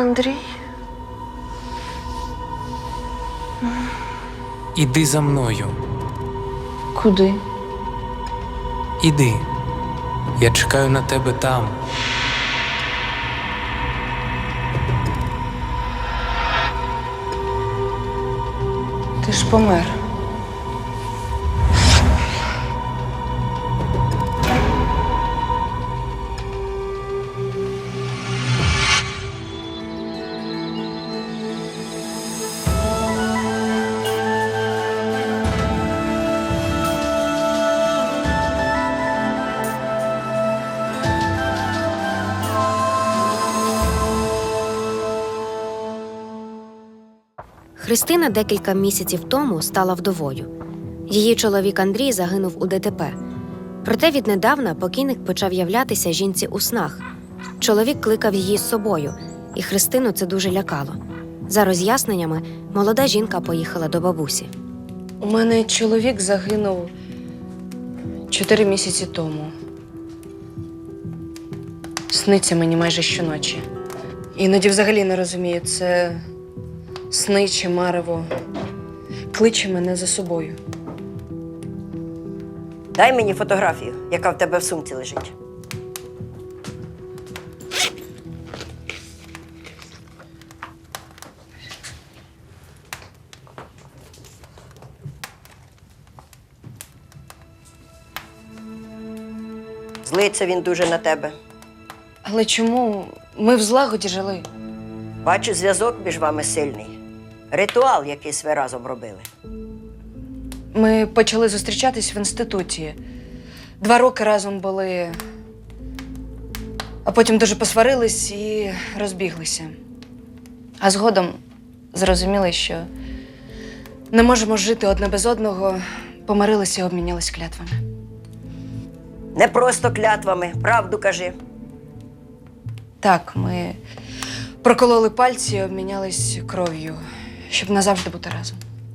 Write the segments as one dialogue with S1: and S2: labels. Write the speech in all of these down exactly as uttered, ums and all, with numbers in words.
S1: Андрій?
S2: Іди за мною.
S1: Куди?
S2: Іди. Я чекаю на тебе там.
S1: Ти ж помер.
S3: Христина декілька місяців тому стала вдовою. Її чоловік Андрій загинув у ДТП. Проте віднедавна покійник почав являтися жінці у снах. Чоловік кликав її з собою, і Христину це дуже лякало. За роз'ясненнями, молода жінка поїхала до бабусі.
S1: У мене чоловік загинув чотири місяці тому. Сниться мені майже щоночі. Іноді взагалі не розумію, це сни чи марево. Кличе мене за собою.
S4: Дай мені фотографію, яка в тебе в сумці лежить. Злиться він дуже на тебе.
S1: Але чому? Ми в злагоді жили.
S4: Бачу, зв'язок між вами сильний. Ритуал якийсь ви разом робили.
S1: Ми почали зустрічатись в інституті. Два роки разом були, а потім дуже посварились і розбіглися. А згодом зрозуміли, що не можемо жити одне без одного, помирилися і обмінялись клятвами.
S4: Не просто клятвами, правду кажи.
S1: Так, ми прокололи пальці і обмінялись кров'ю, щоб назавжди бути разом.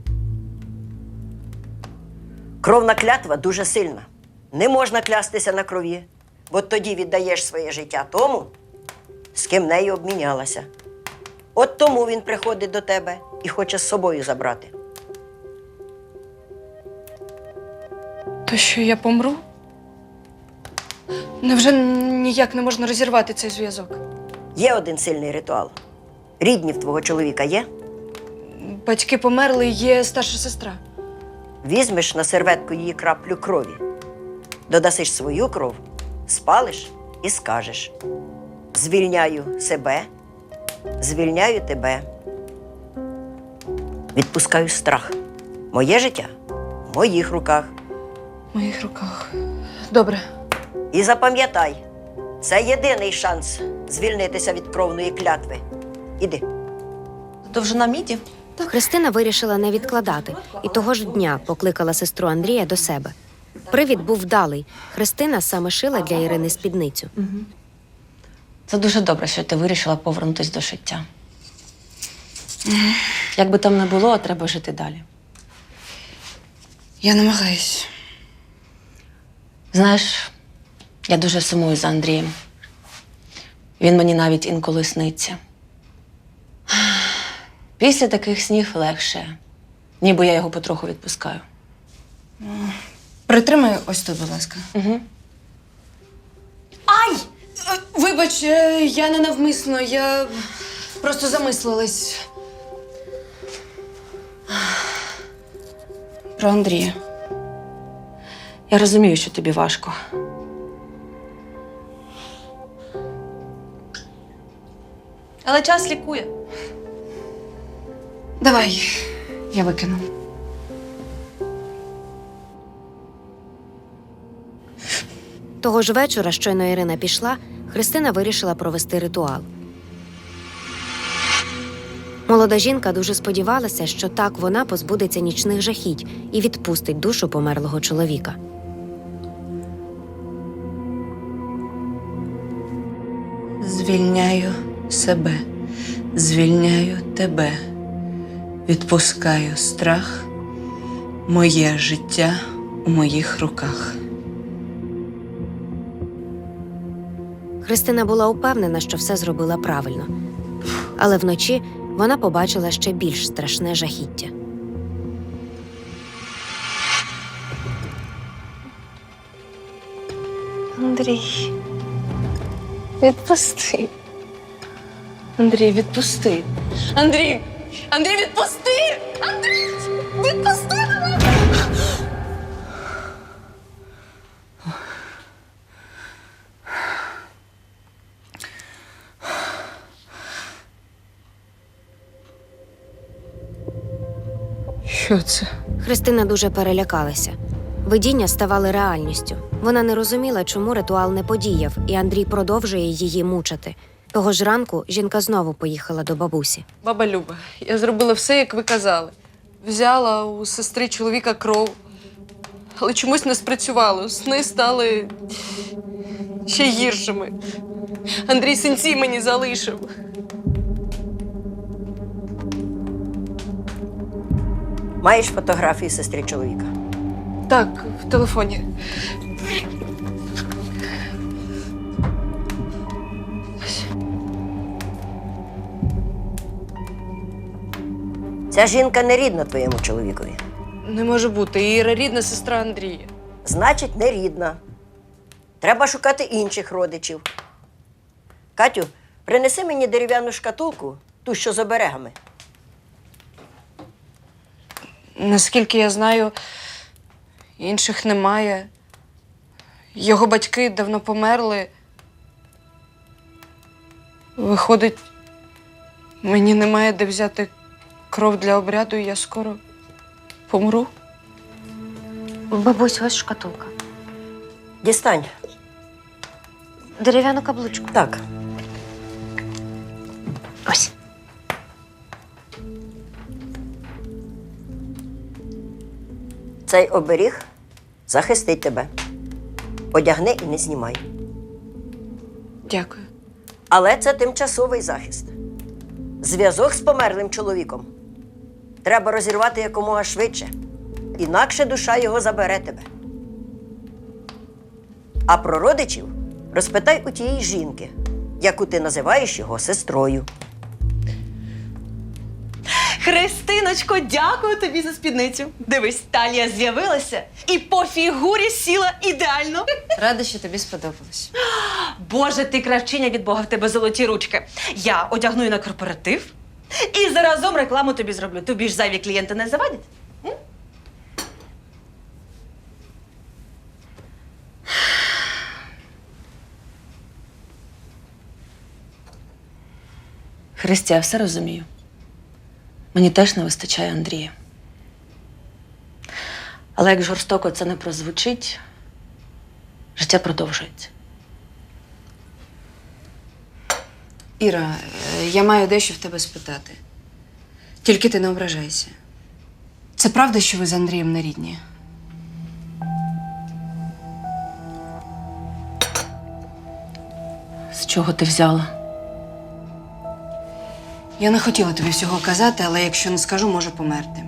S4: Кровна клятва дуже сильна. Не можна клястися на крові, бо тоді віддаєш своє життя тому, з ким нею обмінялася. От тому він приходить до тебе і хоче з собою забрати.
S1: То що, я помру? Невже ніяк не можна розірвати цей зв'язок?
S4: Є один сильний ритуал. Рідні в твого чоловіка є?
S1: Батьки померли, є старша сестра.
S4: Візьмеш на серветку її краплю крові, додасиш свою кров, спалиш і скажеш: звільняю себе, звільняю тебе. Відпускаю страх. Моє життя в моїх руках.
S1: В моїх руках. Добре.
S4: І запам'ятай, це єдиний шанс звільнитися від кровної клятви. Іди.
S5: Довжина міді?
S3: Христина вирішила не відкладати і того ж дня покликала сестру Андрія до себе. Привід був вдалий. Христина саме шила для Ірини спідницю.
S5: Це дуже добре, що ти вирішила повернутися до життя. Як би там не було, треба жити далі.
S1: Я намагаюсь.
S5: Знаєш, я дуже сумую за Андрієм. Він мені навіть інколи сниться. Після таких снів легше, ніби я його потроху відпускаю.
S1: Притримай ось тут, будь ласка.
S5: Угу.
S1: Ай! Е, Вибач, е, я не навмисно, я просто замислилась. Про Андрія.
S5: Я розумію, що тобі важко. Але час лікує.
S1: Давай, я викину.
S3: Того ж вечора, щойно Ірина пішла, Христина вирішила провести ритуал. Молода жінка дуже сподівалася, що так вона позбудеться нічних жахіть і відпустить душу померлого чоловіка.
S1: Звільняю себе, звільняю тебе, відпускаю страх, моє життя у моїх руках.
S3: Христина була упевнена, що все зробила правильно. Але вночі вона побачила ще більш страшне жахіття.
S1: Андрій, відпусти. Андрій, відпусти. Андрій! Андрій, відпусти! Андрій! Відпусти мене! Що це?
S3: Христина дуже перелякалася. Видіння ставали реальністю. Вона не розуміла, чому ритуал не подіяв, і Андрій продовжує її мучити. Того ж ранку жінка знову поїхала до бабусі.
S1: Баба Люба, я зробила все, як ви казали. Взяла у сестри чоловіка кров. Але чомусь не спрацювало. Сни стали ще гіршими. Андрій синці мені залишив.
S4: Маєш фотографії сестри чоловіка?
S1: Так, в телефоні.
S4: Ця жінка не рідна твоєму чоловікові.
S1: Не може бути. Іра рідна сестра Андрія.
S4: Значить, не рідна. Треба шукати інших родичів. Катю, принеси мені дерев'яну шкатулку, ту, що з оберегами.
S1: Наскільки я знаю, інших немає. Його батьки давно померли. Виходить, мені немає де взяти кров для обряду, і я скоро помру.
S3: Бабусь, ось шкатулка.
S4: Дістань.
S3: Дерев'яну каблучку.
S4: Так.
S3: Ось.
S4: Цей оберіг захистить тебе. Одягни і не знімай.
S1: Дякую.
S4: Але це тимчасовий захист. Зв'язок з померлим чоловіком треба розірвати якомога швидше. Інакше душа його забере тебе. А про родичів розпитай у тієї жінки, яку ти називаєш його сестрою.
S6: Христиночко, дякую тобі за спідницю. Дивись, талія з'явилася і по фігурі сіла ідеально.
S1: Рада, що тобі сподобалось.
S6: Боже, ти кравчиня від Бога, в тебе золоті ручки. Я одягну її на корпоратив і заразом рекламу тобі зроблю. Тобі ж зайві клієнти не завадять? М? Христя, я все розумію. Мені теж не вистачає Андрія. Але як жорстоко це не прозвучить, життя продовжується.
S1: Іра, е, я маю дещо в тебе спитати. Тільки ти не ображайся. Це правда, що ви з Андрієм не рідні?
S5: З чого ти взяла?
S1: Я не хотіла тобі всього казати, але якщо не скажу, можу померти.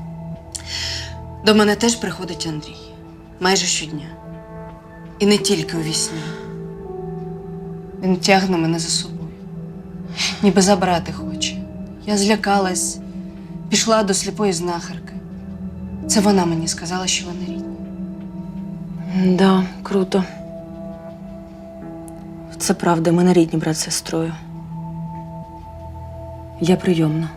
S1: До мене теж приходить Андрій. Майже щодня. І не тільки у вісні. Він тягне мене за собою. Ніби забрати хоче. Я злякалась, пішла до сліпої знахарки. Це вона мені сказала, що вони рідні.
S5: Да, круто. Це правда, ми не рідні брат з сестрою. Я прийомна.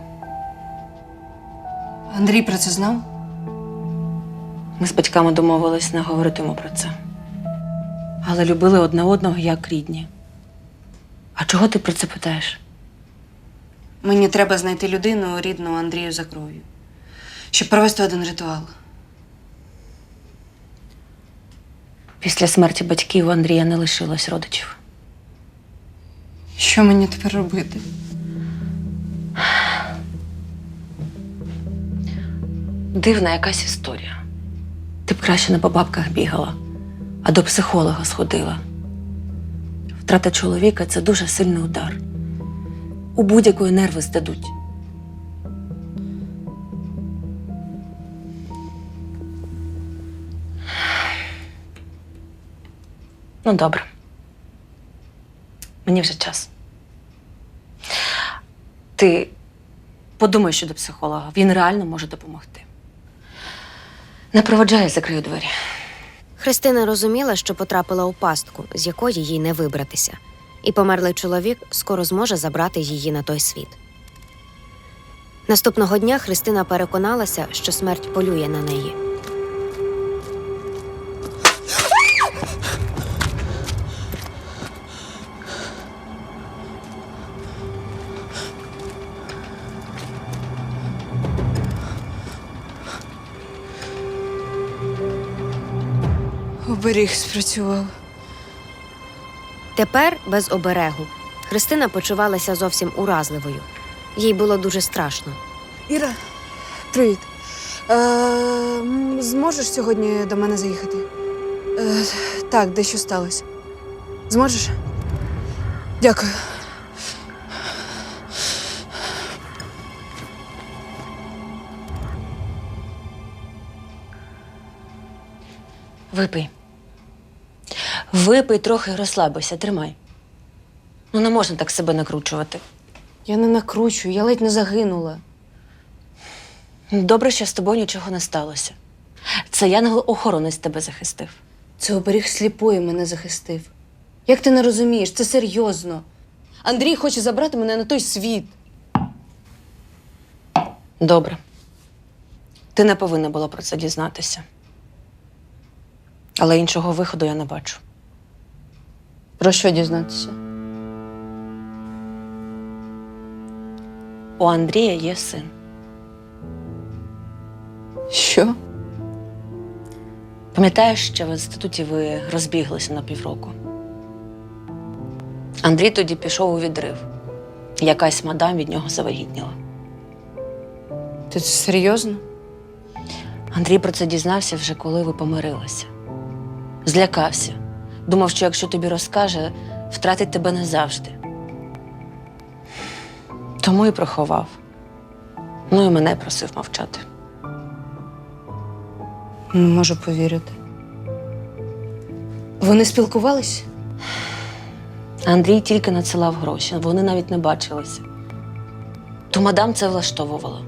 S1: Андрій про це знав?
S5: Ми з батьками домовились не говоритиму про це. Але любили одне одного як рідні. А чого ти про це питаєш?
S1: Мені треба знайти людину, рідну Андрію за кров'ю, щоб провести один ритуал.
S5: Після смерті батьків у Андрія не лишилось родичів.
S1: Що мені тепер робити?
S5: Дивна якась історія. Ти б краще не по бабках бігала, а до психолога сходила. Втрата чоловіка – це дуже сильний удар. У будь-якої нерви здадуть. Ну, добре. Мені вже час. Ти подумай щодо психолога. Він реально може допомогти. Не проводжай, я закрию двері.
S3: Христина розуміла, що потрапила у пастку, з якої їй не вибратися. І померлий чоловік скоро зможе забрати її на той світ. Наступного дня Христина переконалася, що смерть полює на неї.
S1: Оберіг спрацював.
S3: Тепер, без оберегу, Христина почувалася зовсім уразливою. Їй було дуже страшно.
S1: Іра, привіт. Е, м, зможеш сьогодні до мене заїхати? Е, так, дещо сталося. Зможеш? Дякую.
S5: Випий. Випий трохи і розслабися, тримай. Ну, не можна так себе накручувати.
S1: Я не накручую, я ледь не загинула.
S5: Добре, що з тобою нічого не сталося. Це янгол-охоронець тебе захистив.
S1: Це оберіг сліпої мене захистив. Як ти не розумієш, це серйозно. Андрій хоче забрати мене на той світ.
S5: Добре. Ти не повинна була про це дізнатися. Але іншого виходу я не бачу.
S1: Про що дізнатися?
S5: У Андрія є син.
S1: Що?
S5: Пам'ятаєш, що в інституті ви розбіглися на півроку? Андрій тоді пішов у відрив. Якась мадам від нього завагітніла.
S1: Ти це серйозно?
S5: Андрій про це дізнався вже коли ви помирилися. Злякався. Думав, що якщо тобі розкаже, втратить тебе назавжди. Тому і приховав. Ну і мене просив мовчати.
S1: Не можу повірити. Вони спілкувались?
S5: Андрій тільки надсилав гроші, вони навіть не бачилися. То мадам це влаштовувала.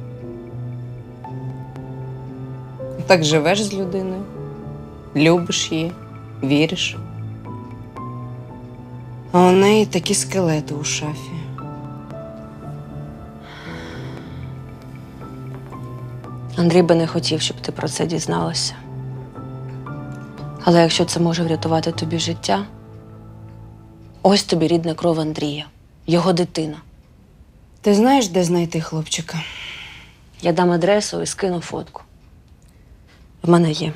S1: Так живеш з людиною, любиш її, віриш. А у неї такі скелети у шафі.
S5: Андрій би не хотів, щоб ти про це дізналася. Але якщо це може врятувати тобі життя, ось тобі рідна кров Андрія, його дитина.
S1: Ти знаєш, де знайти хлопчика?
S5: Я дам адресу і скину фотку. В мене є.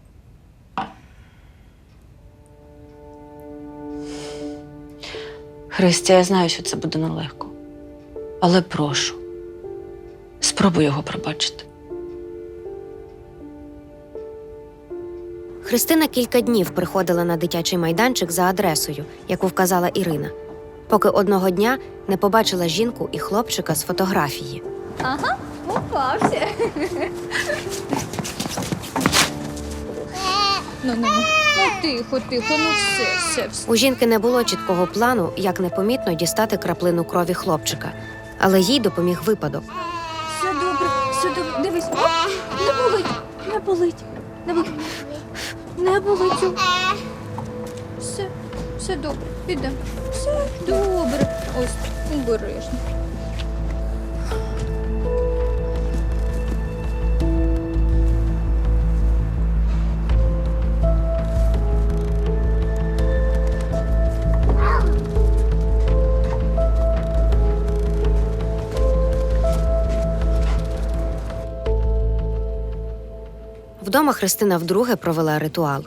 S5: Христя, я знаю, що це буде нелегко. Але прошу, спробуй його пробачити.
S3: Христина кілька днів приходила на дитячий майданчик за адресою, яку вказала Ірина, поки одного дня не побачила жінку і хлопчика з фотографії.
S7: Ага, попався. Ну, ну, ну, тихо, тихо, ну все, все, все.
S3: У жінки не було чіткого плану, як непомітно дістати краплину крові хлопчика, але їй допоміг випадок.
S7: Все добре, все добре. Дивись, о, не болить, не болить, не болить, не болить. О. Все, все добре, підемо. Все добре. Ось, обережно.
S3: Вдома Христина вдруге провела ритуал.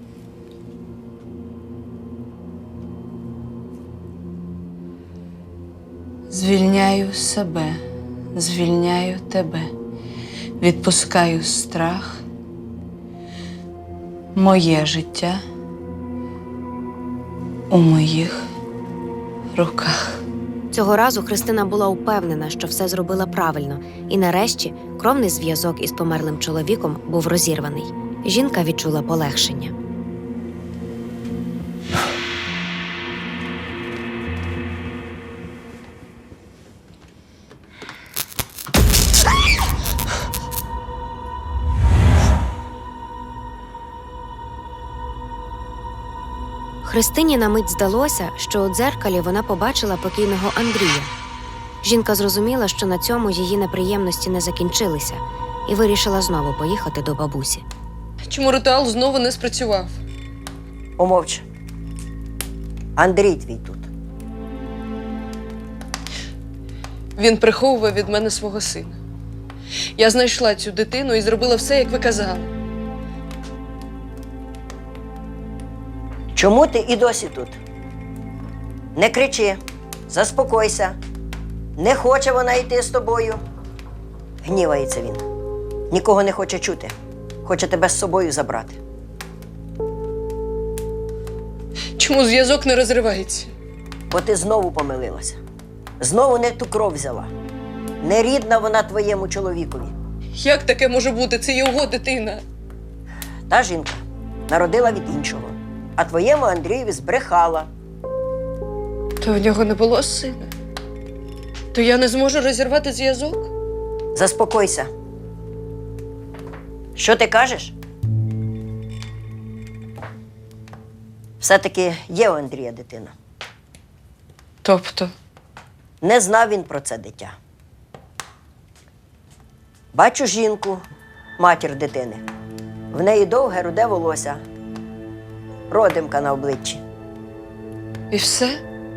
S1: Звільняю себе, звільняю тебе, відпускаю страх, моє життя у моїх руках.
S3: Цього разу Христина була упевнена, що все зробила правильно, і нарешті кровний зв'язок із померлим чоловіком був розірваний. Жінка відчула полегшення. Христині на мить здалося, що у дзеркалі вона побачила покійного Андрія. Жінка зрозуміла, що на цьому її неприємності не закінчилися, і вирішила знову поїхати до бабусі.
S8: Чому ритуал знову не спрацював?
S4: Помовч. Андрій твій тут.
S8: Він приховував від мене свого сина. Я знайшла цю дитину і зробила все, як ви казали.
S4: Чому ти і досі тут? Не кричи, заспокойся. Не хоче вона йти з тобою. Гнівається він. Нікого не хоче чути. Хоче тебе з собою забрати.
S8: Чому зв'язок не розривається?
S4: Бо ти знову помилилася. Знову не ту кров взяла. Не рідна вона твоєму чоловікові.
S8: Як таке може бути? Це його дитина.
S4: Та жінка народила від іншого, а твоєму Андрієві збрехала.
S8: То в нього не було сина. То я не зможу розірвати зв'язок?
S4: Заспокойся. Що ти кажеш? Все-таки є у Андрія дитина.
S8: Тобто?
S4: Не знав він про це дитя. Бачу жінку, матір дитини. В неї довге руде волосся, родимка на обличчі.
S8: І все?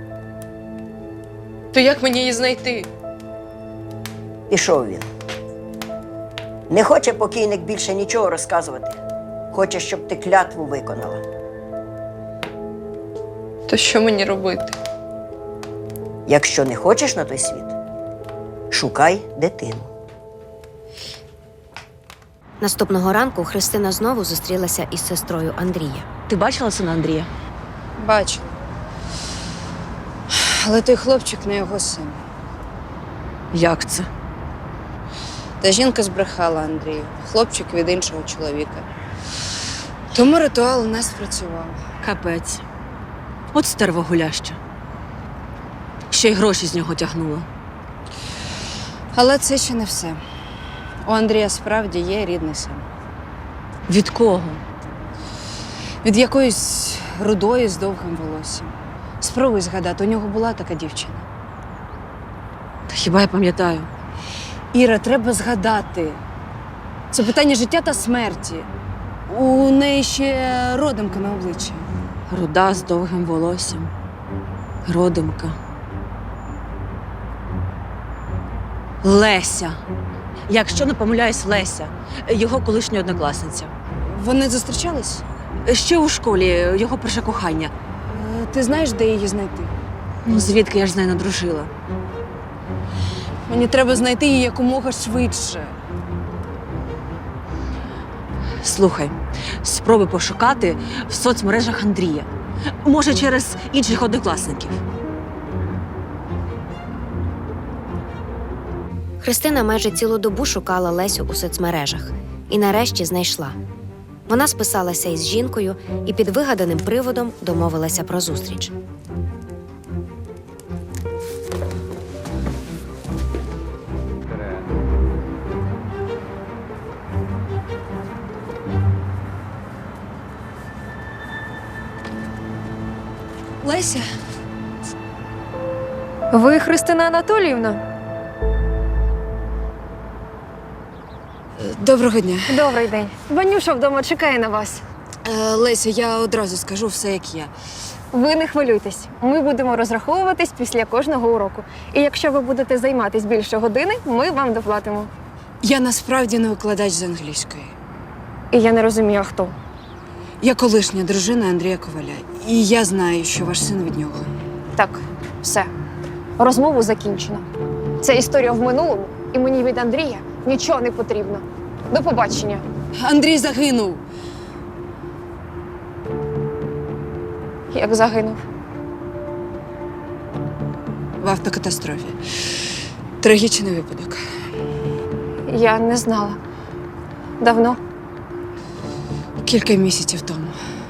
S8: То як мені її знайти?
S4: Пішов він. Не хоче покійник більше нічого розказувати. Хоче, щоб ти клятву виконала.
S8: То що мені робити?
S4: Якщо не хочеш на той світ, шукай дитину.
S3: Наступного ранку Христина знову зустрілася із сестрою Андрія.
S5: Ти бачила сина Андрія?
S1: Бачила. Але той хлопчик не його син.
S5: Як це?
S1: Та жінка збрехала Андрію. Хлопчик від іншого чоловіка. Тому ритуал не спрацював.
S5: Капець. От стерва гуляща. Ще й гроші з нього тягнула.
S1: Але це ще не все. У Андрія справді є рідний син.
S5: Від кого?
S1: Від якоїсь рудої з довгим волоссям. Спробуй згадати, у нього була така дівчина.
S5: Та хіба я пам'ятаю?
S1: Іра, треба згадати. Це питання життя та смерті. У неї ще родимка на обличчі.
S5: Руда з довгим волоссям. Родимка. Леся. Якщо не помиляюсь, Леся. Його колишня однокласниця.
S1: Вони зустрічались?
S5: Ще у школі його перше кохання.
S1: Е, Ти знаєш, де її знайти?
S5: Ну, звідки я ж з нею надружила?
S1: Мені треба знайти її якомога швидше.
S5: Слухай, спробуй пошукати в соцмережах Андрія. Може, через інших однокласників.
S3: Христина майже цілу добу шукала Лесю у соцмережах і нарешті знайшла. Вона списалася із жінкою і під вигаданим приводом домовилася про зустріч.
S1: Леся?
S7: Ви Христина Анатоліївна?
S1: Доброго дня.
S7: Добрий день. Ванюша вдома чекає на вас.
S1: Е, Леся, я одразу скажу все, як є.
S7: Ви не хвилюйтесь. Ми будемо розраховуватись після кожного уроку. І якщо ви будете займатись більше години, ми вам доплатимо.
S1: Я насправді не викладач з англійської.
S7: І я не розумію, а хто.
S1: Я колишня дружина Андрія Коваля. І я знаю, що ваш син від нього.
S7: Так, все. Розмову закінчено. Це історія в минулому, і мені від Андрія нічого не потрібно. До побачення.
S1: Андрій загинув.
S7: Як загинув.
S1: В автокатастрофі. Трагічний випадок.
S7: Я не знала. Давно.
S1: Кілька місяців тому.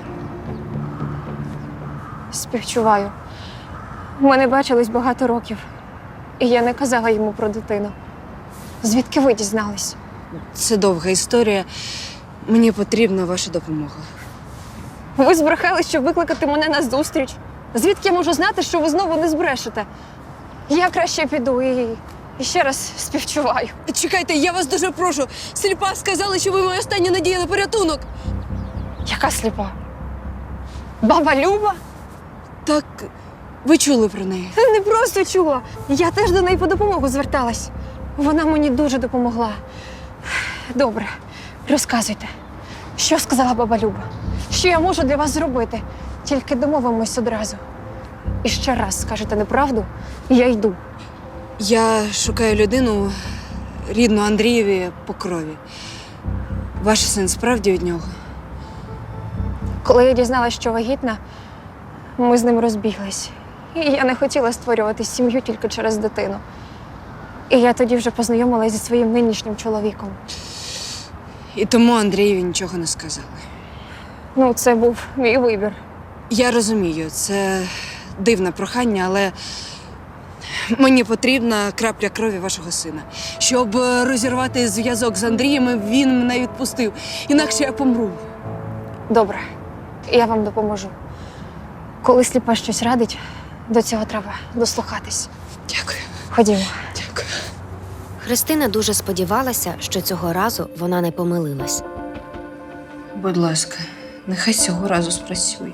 S7: Співчуваю. Ми не бачились багато років. І я не казала йому про дитину. Звідки ви дізнались?
S1: Це довга історія. Мені потрібна ваша допомога.
S7: Ви збрехали, щоб викликати мене на зустріч. Звідки я можу знати, що ви знову не збрешете? Я краще піду і, і ще раз співчуваю.
S8: Чекайте, я вас дуже прошу. Сліпа сказали, що ви моя остання надія на порятунок.
S7: Яка сліпа? Баба Люба?
S8: Так, ви чули про неї?
S7: Не просто чула. Я теж до неї по допомогу зверталась. Вона мені дуже допомогла. Добре, розказуйте, що сказала баба Люба? Що я можу для вас зробити? Тільки домовимось одразу. І ще раз скажете неправду, і я йду.
S8: Я шукаю людину, рідну Андрієві по крові. Ваш син справді від нього?
S7: Коли я дізналась, що вагітна, ми з ним розбіглись. І я не хотіла створювати сім'ю тільки через дитину. І я тоді вже познайомилася зі своїм нинішнім чоловіком.
S8: І тому Андрієві нічого не сказали.
S7: Ну, це був мій вибір.
S8: Я розумію, це дивне прохання, але мені потрібна крапля крові вашого сина. Щоб розірвати зв'язок з Андрієм, він мене відпустив. Інакше я помру.
S7: Добре, я вам допоможу. Коли сліпа щось радить, до цього треба дослухатись.
S8: Дякую.
S7: Ходімо.
S8: Дякую.
S3: Христина дуже сподівалася, що цього разу вона не помилилась.
S1: Будь ласка, нехай цього разу спрацює.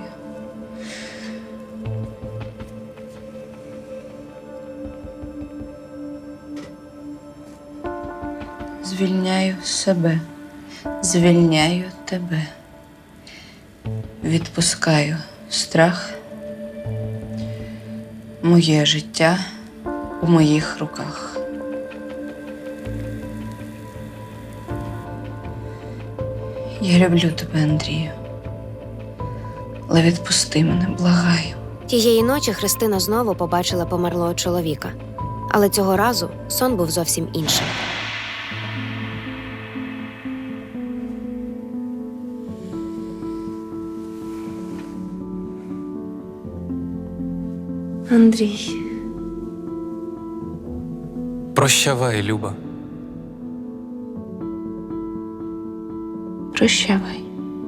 S1: Звільняю себе, звільняю тебе. Відпускаю страх. Моє життя у моїх руках. Я люблю тебе, Андрію. Але відпусти мене, благаю.
S3: Тієї ночі Христина знову побачила померлого чоловіка. Але цього разу сон був зовсім іншим.
S5: Андрій.
S2: Прощавай, Люба.
S1: Прощавай.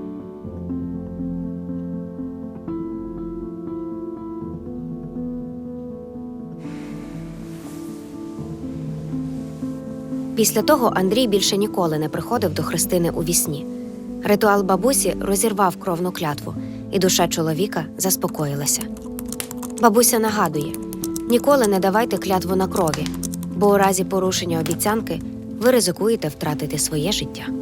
S3: Після того Андрій більше ніколи не приходив до Христини у вісні. Ритуал бабусі розірвав кровну клятву, і душа чоловіка заспокоїлася. Бабуся нагадує: ніколи не давайте клятву на крові, бо у разі порушення обіцянки ви ризикуєте втратити своє життя.